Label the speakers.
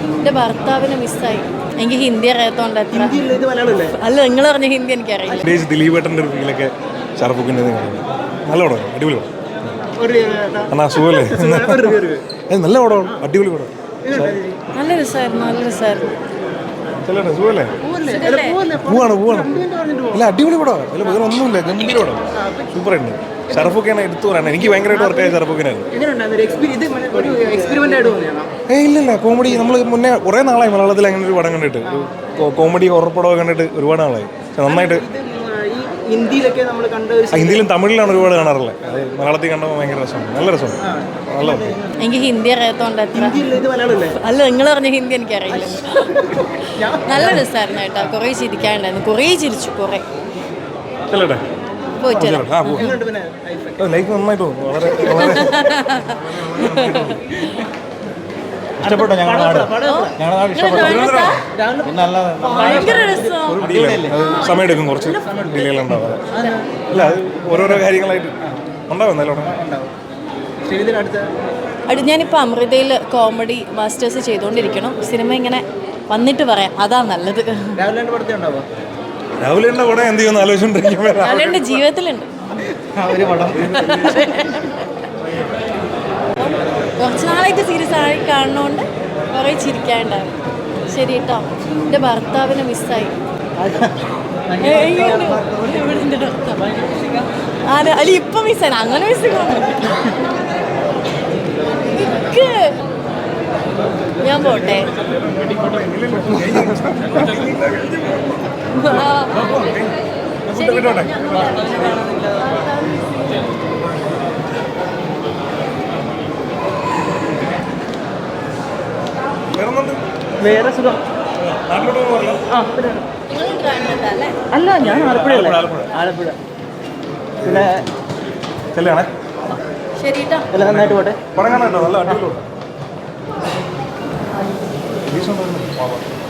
Speaker 1: എൻ്റെ ഭർത്താവിനെ മിസ്സായി. എനിക്ക് ഹിന്ദി അറിയാത്തോണ്ട് എത്ര അല്ല നിങ്ങൾ പറഞ്ഞ ഹിന്ദി എനിക്കറിയില്ല.
Speaker 2: ദിലീപേട്ടൻ്റെ ഒരു ഫീലൊക്കെ ഷാറുഖിൻ്റെ നല്ല പടം, അടിപൊളി പടം. എന്നാ സുഖല്ലേ? നല്ല പടമാണ്, അടിപൊളി പടം.
Speaker 1: നല്ല രസമായിരുന്നു, നല്ല രസമായിരുന്നു.
Speaker 2: സുഖല്ലേ? പോവാണ് അല്ല അടിപൊളി പടമാണ്. അല്ല വേറെ ഒന്നുമില്ല, ഗംഭീര പടം, സൂപ്പറായിട്ട്. ഷറഫുഖാനെ എടുത്തു പറയാൻ എനിക്ക് ഭയങ്കരമായിട്ട് വർക്കായ ഷറഫുഖാനായിരുന്നു. ഇല്ല കോമഡി നമ്മൾ മുന്നേ കുറേ നാളായി മലയാളത്തിൽ അങ്ങനെ ഒരു പടം കണ്ടിട്ട്, കോമഡി ഹൊറർ പടമൊക്കെ കണ്ടിട്ട് ഒരുപാട് നാളായി. നന്നായിട്ട് ഹിന്ദിയിലും തമിഴിലാണ് ഒരുപാട് കാണാറുള്ളത്. അത് മലയാളത്തിൽ കണ്ടപ്പോൾ ഭയങ്കര രസമാണ്, നല്ല രസമാണ്, നല്ല.
Speaker 1: എനിക്ക് ഹിന്ദി അറിയാത്തോണ്ട് എത്ര അല്ല നിങ്ങൾ പറഞ്ഞ ഹിന്ദി എനിക്കറിയില്ല. നല്ല രസമായിരുന്നു കേട്ടോ, കുറേ ചിരിക്കാനുണ്ടായിരുന്നു, കുറേ ചിരിച്ചു, കുറേ പോയിട്ട്
Speaker 2: ലൈഫ് നന്നായിട്ട് തോന്നുന്നു, വളരെ ഇഷ്ടപ്പെട്ടോ? ഞങ്ങളുടെ നാട് ഇഷ്ടപ്പെട്ടു.
Speaker 1: ഭയങ്കര രസം.
Speaker 2: സമയമെടുക്കും, കുറച്ച് ഡിലേകളുണ്ടാവും. അല്ല അത് ഓരോരോ കാര്യങ്ങളായിട്ട് ഉണ്ടാവും.
Speaker 1: ഞാനിപ്പോൾ അമൃതയിൽ കോമഡി മാസ്റ്റേഴ്സ് ചെയ്തുകൊണ്ടിരിക്കണം. സിനിമ ഇങ്ങനെ വന്നിട്ട് പറയാം, അതാ നല്ലത്.
Speaker 2: രാവിലെ പടം എന്ത് ചെയ്യുമെന്ന് ആലോചിച്ചുകൊണ്ടിരിക്കുമ്പോൾ
Speaker 1: രാവിലെ ജീവിതത്തിലുണ്ട് കുറച്ച് നാളായിട്ട് സീരിയസ് ആയി കാണുന്നതുകൊണ്ട് കുറേ ചിരിക്കാനുണ്ടാവും. ശരി കേട്ടോ, എൻ്റെ ഭർത്താവിനെ മിസ്സായി. അല്ല ഇപ്പം മിസ്സായി, അങ്ങനെ മിസ്സായി. ഞാൻ പോട്ടെ.
Speaker 3: വേറെ സുഖം. അല്ല ഞാൻ ആലപ്പുഴയല്ലേ, ആലപ്പുഴ. എല്ലാം നന്നായിട്ട് പോട്ടെ.
Speaker 2: പടം കാണാൻ നല്ല അടിപൊളി.